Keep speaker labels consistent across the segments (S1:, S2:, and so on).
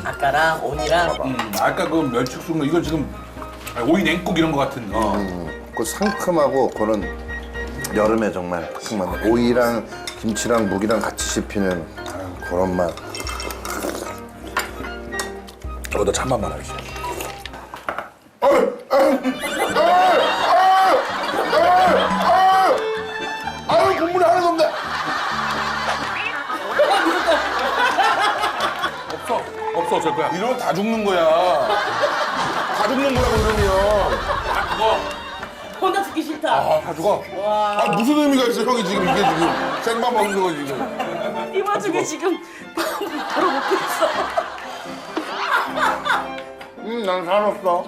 S1: 아까랑 오니랑.
S2: 아까 그 멸치국수 이거 지금 오이 냉국 이런 거 같은.
S3: 그 상큼하고 그런 여름에 정말 그 맛. 오이랑 김치랑 무기랑 같이 씹히는 그런 맛.
S2: 너 찬밥만 하겠어.
S3: 아유 국물이 하나도 없네.
S2: 없어 어쩔 거야.
S4: 이러면 다 죽는 거야. 다 죽는 거라고 이러면.
S1: 혼자 듣기 싫다.
S4: 다 죽어. 아 무슨 의미가 있어 형이 지금 이게 지금 생밥 먹는 거 지금.
S1: 이 와중에 지금 바로 먹고 있어.
S3: 난 살았어.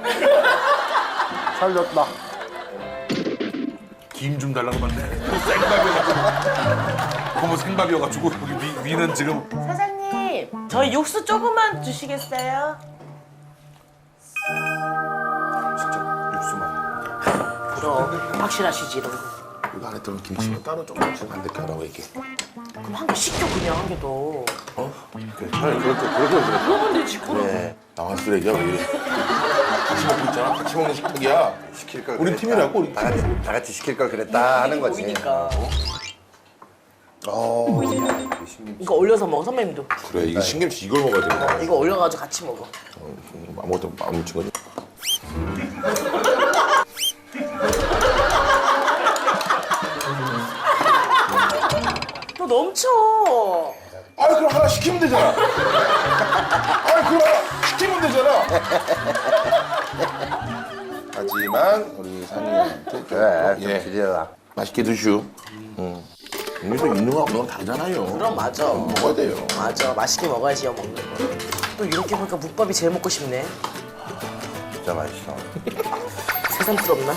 S3: 살렸다.
S2: 김 좀 달라고 봤네. 생밥이어가지고. 너무 생밥이어가지고 여기 위는 지금.
S1: 사장님, 저희 육수 조금만 주시겠어요?
S3: 진짜 육수만.
S1: 그럼 확실하시지 이런 거.
S4: 이거 안에 들어간 김치는 따로 조금씩 안 될게 하라고 이렇게.
S1: 그럼 한 개 시켜 그냥 한 개 더.
S4: 어? 그래 차라리 그렇게 그래.
S1: 그러면 되지 그럼.
S4: 네. 나와 쓰레기야 왜 이래. 같이 먹고 있잖아. 같이 먹는 식탁이야.
S3: 시킬 걸.
S4: 우리
S3: 그랬다.
S4: 팀이라고 우리 팀.
S3: 다 같이 시킬 걸 그랬다 하는 거지.
S1: 보이니까.
S3: 신김치.
S1: 이거 올려서 먹어 선배님도.
S4: 그래 이게 신김치 이걸 먹어야 되는 거야.
S1: 이거 올려가지고 같이 먹어.
S4: 아무것도 안 묻힌 거지.
S1: 너 넘쳐.
S4: 아 그럼 하나 시키면 되잖아. 아 그럼 하나 시키면 되잖아. 하지만 우리 상이한테
S3: 그래 좀
S4: 예
S3: 드려라.
S4: 맛있게 드슈. 여기서 있는 거랑 없는 거 다르잖아요.
S1: 그럼 맞아.
S4: 먹어야 돼요.
S1: 맞아. 맛있게 먹어야지요 먹는 거. 또 이렇게 보니까 묵밥이 제일 먹고 싶네.
S3: 진짜 맛있어.
S1: 새삼스럽나?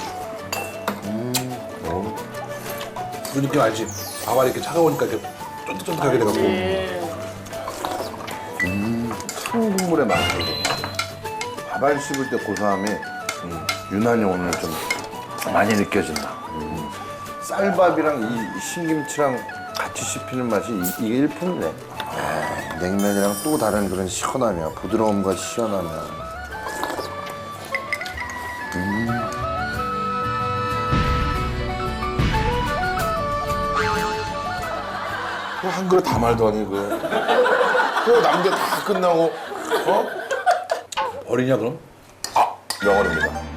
S2: 그 느낌 알지? 밥알이 이렇게 차가우니까 이렇게 쫀득쫀득하게 돼갖고.
S3: 큰 국물의 맛이. 밥알 씹을 때 고소함이 유난히 오늘 좀 많이 느껴진다. 쌀밥이랑 이 신김치랑 같이 씹히는 맛이 이게 일품이네. 냉면이랑 또 다른 그런 시원함이야. 부드러움과 시원함이야.
S4: 또 한 그릇 다 말도 아니고. 또 남들 다 끝나고 어?
S2: 버리냐 그럼?
S4: 아 명언입니다.